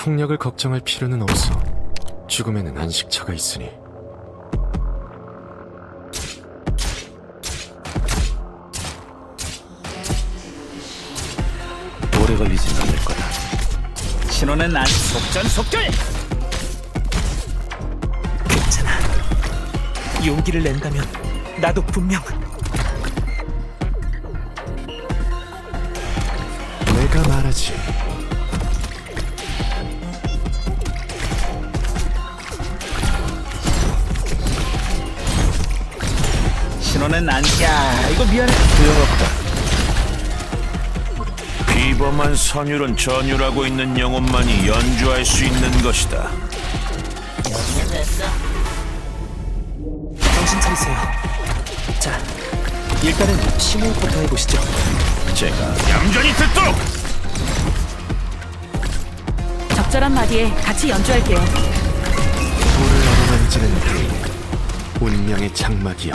총력을 걱정할 필요는 없어. 죽음에는 안식처가 있으니. 오래 걸리진 않을 거다. 신호는 안 속전속결. 괜찮아. 용기를 낸다면 나도 분명 내가 말하지. 신호는 안. 야, 이거 미안해. 소용없다. 비범한 선율은 전율하고 있는 영혼만이 연주할 수 있는 것이다. 정신 차리세요. 자, 일단은 심호흡부터 해보시죠. 제가 얌전히 듣도록! 적절한 마디에 같이 연주할게요. 불을 어루만지는 그 운명의 장막이여.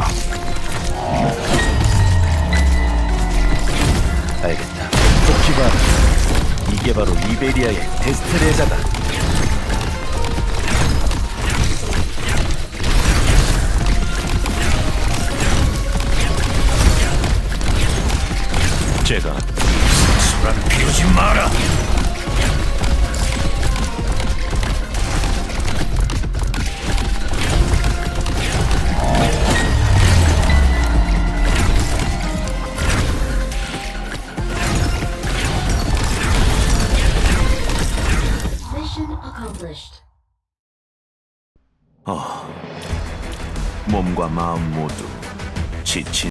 알겠다. 토키바, 이게 바로 이베리아의 데스트레자다. 제가 소란 피우지 마라! Mission accomplished. 몸과 마음 모두 지친